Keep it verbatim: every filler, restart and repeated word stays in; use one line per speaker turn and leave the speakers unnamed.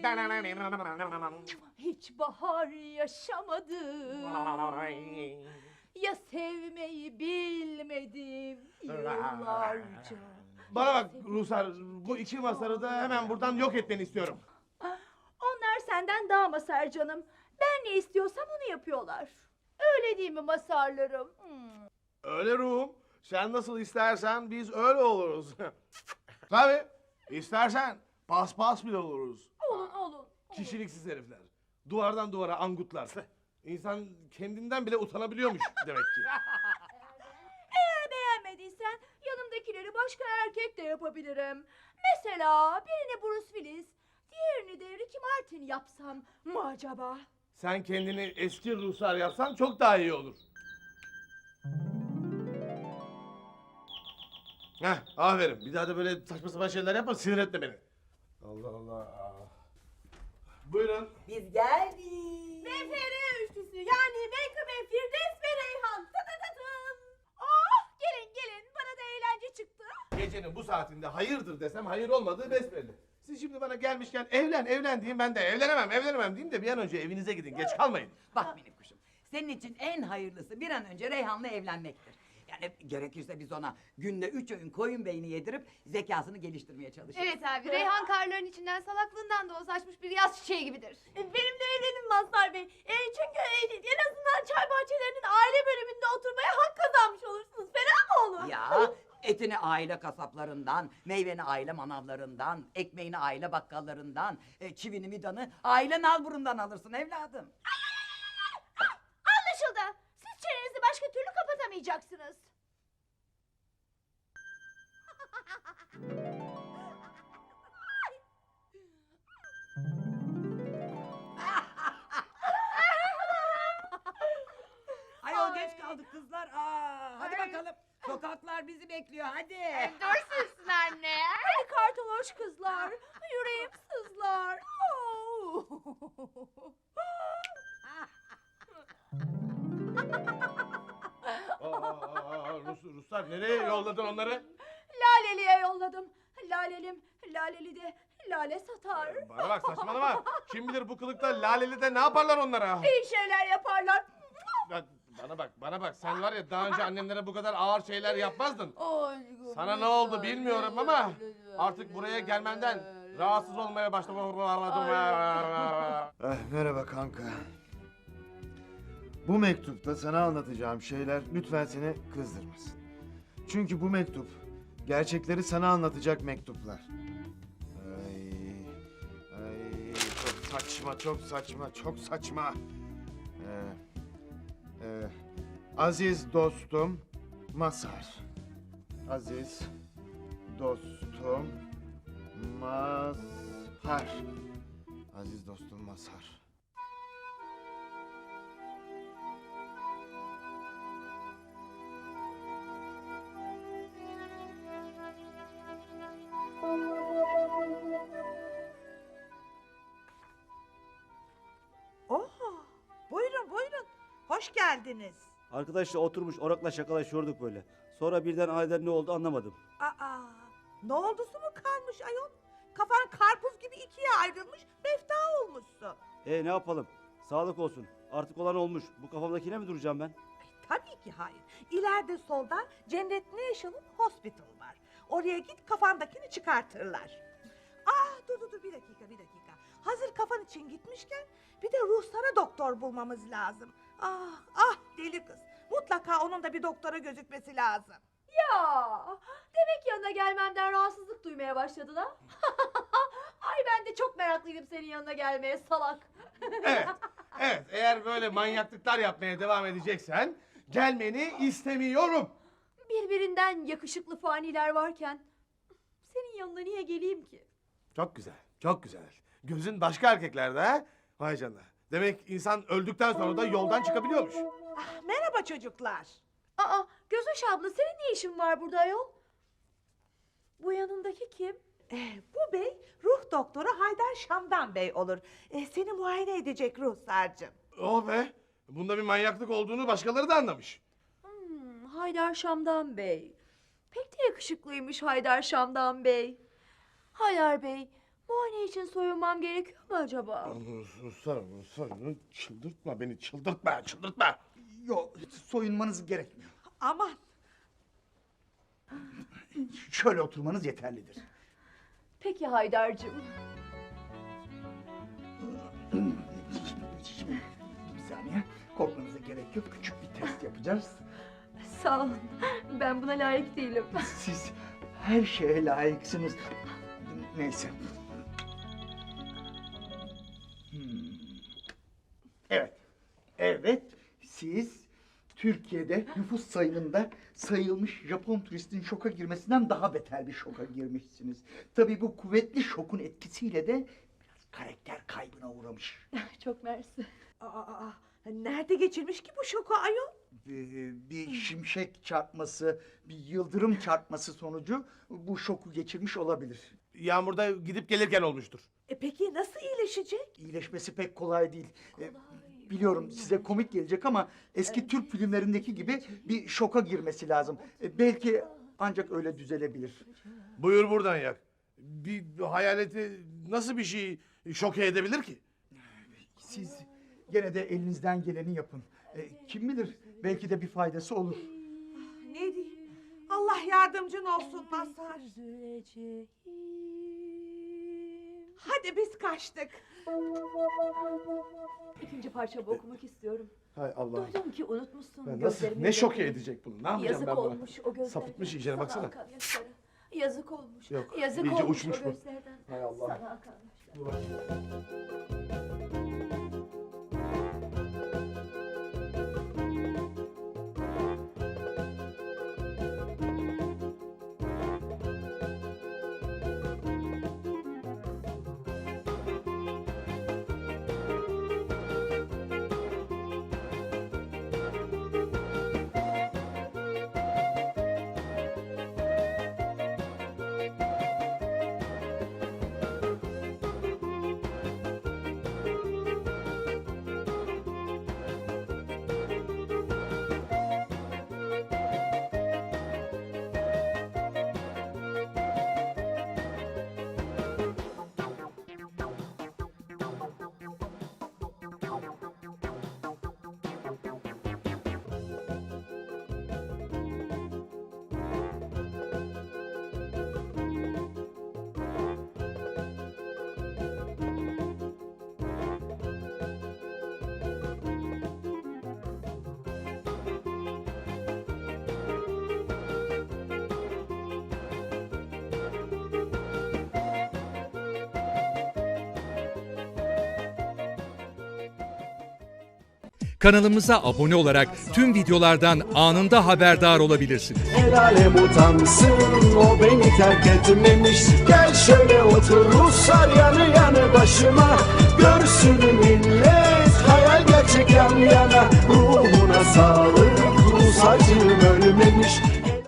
Hiç bahar yaşamadım. Ya sevmeyi bilmedim yıllarca.
Bana bak Ruslar, bu iki masarı da hemen buradan yok etmeni istiyorum.
Onlar senden daha masar canım. Ben ne istiyorsam onu yapıyorlar. Öyle değil mi masarlarım? Hmm.
Öyle ruhum. Sen nasıl istersen biz öyle oluruz. Tabii. İstersen paspas bile oluruz.
Olun olun.
Kişiliksiz herifler. Duvardan duvara angutlar. İnsan kendinden bile utanabiliyormuş demek ki.
Eğer beğenmediysen yanımdakileri başka erkek de yapabilirim. Mesela birini Bruce Willis, diğerini de Ricky Martin yapsam mı acaba?
Sen kendini eski Ruslar yapsan çok daha iyi olur. Heh, aferin. Bir daha da böyle saçma sapan şeyler yapma, sinir etme beni. Allah Allah. Buyurun.
Biz geldik.
Mefere üçlüsü yani Menkıbe, Firdevs ve Reyhan. Tatatatım. Oh gelin gelin bana da eğlence çıktı.
Gecenin bu saatinde hayırdır desem hayır olmadığı besbelli. Siz şimdi bana gelmişken evlen evlen diyeyim, ben de evlenemem evlenemem diyeyim de bir an önce evinize gidin, geç kalmayın.
Bak minik kuşum, senin için en hayırlısı bir an önce Reyhan'la evlenmektir. Yani gerekirse biz ona günde üç öğün koyun beyni yedirip zekasını geliştirmeye çalışırız.
Evet abi, Reyhan karların içinden salaklığından da o saçmış bir yaz çiçeği gibidir.
Benimle evlenin Mazhar Bey. E, çünkü e, en azından çay bahçelerinin aile bölümünde oturmaya hak kazanmış olursunuz. Fena mı olur?
Ya etini aile kasaplarından, meyveni aile manavlarından, ekmeğini aile bakkallarından, e, çivini midanı aile nalburundan alırsın evladım.
Anlaşıldı. Siz çenenizi başka türlü kapatamayacaksınız.
Ayol geç kaldık kızlar. Aa, hadi bakalım. Sokaklar bizi bekliyor hadi.
Dursunsun anne.
Hadi kartoloş kızlar. Yüreğim sızlar. Oo.
Aa, aa, aa, Rus, Ruslar nereye yolladın onları?
Laleli'ye yolladım. Lalelim, Laleli de lale satar.
Bana bak saçmalama. Kim bilir bu kılıkta Laleli'de ne yaparlar onlara?
İyi şeyler yaparlar.
Ya, Bana bak, bana bak. Sen var ya daha önce annemlere bu kadar ağır şeyler yapmazdın. Sana ne oldu bilmiyorum ama artık buraya gelmenden rahatsız olmaya başladım.
Eh, merhaba kanka. Bu mektupta sana anlatacağım şeyler lütfen seni kızdırmasın. Çünkü bu mektup gerçekleri sana anlatacak mektuplar. Ay, ay, çok saçma, çok saçma, çok saçma. Ee, e, aziz dostum Mazhar. Aziz dostum Mazhar. Aziz dostum Mazhar.
Oha! Buyurun buyurun. Hoş geldiniz.
Arkadaşla oturmuş orakla şakalaşıyorduk böyle. Sonra birden aniden ne oldu anlamadım.
Aa! Ne oldusu mu kalmış ayol? Kafan karpuz gibi ikiye ayrılmış, mefta olmuşsun.
E ne yapalım? Sağlık olsun. Artık olan olmuş. Bu kafamdakine mi duracağım ben?
Tabii ki hayır. İleride solda Cennet National Hospital var. Oraya git kafandakini çıkartırlar. Ah dur dur dur bir dakika bir dakika. Hazır kafan için gitmişken bir de ruhsara doktor bulmamız lazım. Ah ah deli kız. Mutlaka onun da bir doktora gözükmesi lazım.
Ya, demek yanına gelmemden rahatsızlık duymaya başladın ha? Ay ben de çok meraklıydım senin yanına gelmeye salak.
Evet, evet. Eğer böyle manyaklıklar yapmaya devam edeceksen gelmeni istemiyorum.
Birbirinden yakışıklı faniler varken senin yanına niye geleyim ki?
Çok güzel, çok güzel. Gözün başka erkeklerde ha? Vay canına. Demek insan öldükten sonra da yoldan çıkabiliyormuş.
Ah, merhaba çocuklar.
Aa, Gözöş abla senin ne işin var burada ayol? Bu yanındaki kim?
Ee, bu bey ruh doktoru Haydar Şamdan Bey olur. Ee, seni muayene edecek ruhsarcığım.
Oh be! Bunda bir manyaklık olduğunu başkaları da anlamış.
Hmm, Haydar Şamdan Bey. Pek de yakışıklıymış Haydar Şamdan Bey. Haydar Bey, Muayene için soyunmam gerekiyor mu acaba?
Sarı, sarı, çıldırtma beni, çıldırtma, çıldırtma.
Yok, soyunmanız gerekmiyor.
Aman.
Şöyle oturmanız yeterlidir.
Peki Haydar'cığım.
Bir saniye, korkmanıza gerek yok. Küçük bir test yapacağız.
Sağ olun. Ben buna layık değilim.
Siz her şeye layıksınız. Neyse. Hmm. Evet. Evet, siz Türkiye'de nüfus sayımında sayılmış Japon turistin şoka girmesinden daha beter bir şoka girmişsiniz. Tabii bu kuvvetli şokun etkisiyle de biraz karakter kaybına uğramış.
Çok mersi.
Aa, aa, nerede geçirmiş ki bu şoku ayol?
Bir, bir şimşek çarpması, bir yıldırım çarpması sonucu bu şoku geçirmiş olabilir.
Yağmurda gidip gelirken olmuştur.
E peki nasıl iyileşecek?
İyileşmesi pek kolay değil. Ee, biliyorum size komik gelecek ama eski Türk filmlerindeki gibi bir şoka girmesi lazım. Ee, belki ancak öyle düzelebilir.
Buyur buradan yak. Bir hayaleti nasıl bir şey şoke edebilir ki?
Siz gene de elinizden geleni yapın. Ee, kim bilir belki de bir faydası olur.
Ne diyeyim? Allah yardımcın olsun Mazhar. Hadi biz kaçtık.
İkinci parçamı okumak istiyorum.
Hay Allah.
Duydum ki unutmuşsun.
Ben nasıl,
gözlerimin
ne şoke
yaşını.
edecek bunu? Ne yapacağım
Yazık
ben buna?
olmuş o gözlerden.
Sapıtmış iyicene
Sana
baksana.
akan yaşlara. Yazık olmuş.
Yok,
Yazık
iyice
olmuş
uçmuş
o
bu.
gözlerden.
Hay Allah.
Sana akan yaşlara.
Kanalımıza abone olarak tüm videolardan anında haberdar olabilirsiniz.
El alem utansın, o beni terk etmemiş. Gel şöyle otur Ruslar yanı yanı başıma. Görsün millet, hayal gerçek yan yana. Ruhuna sağlık, Rus acım ölmemiş.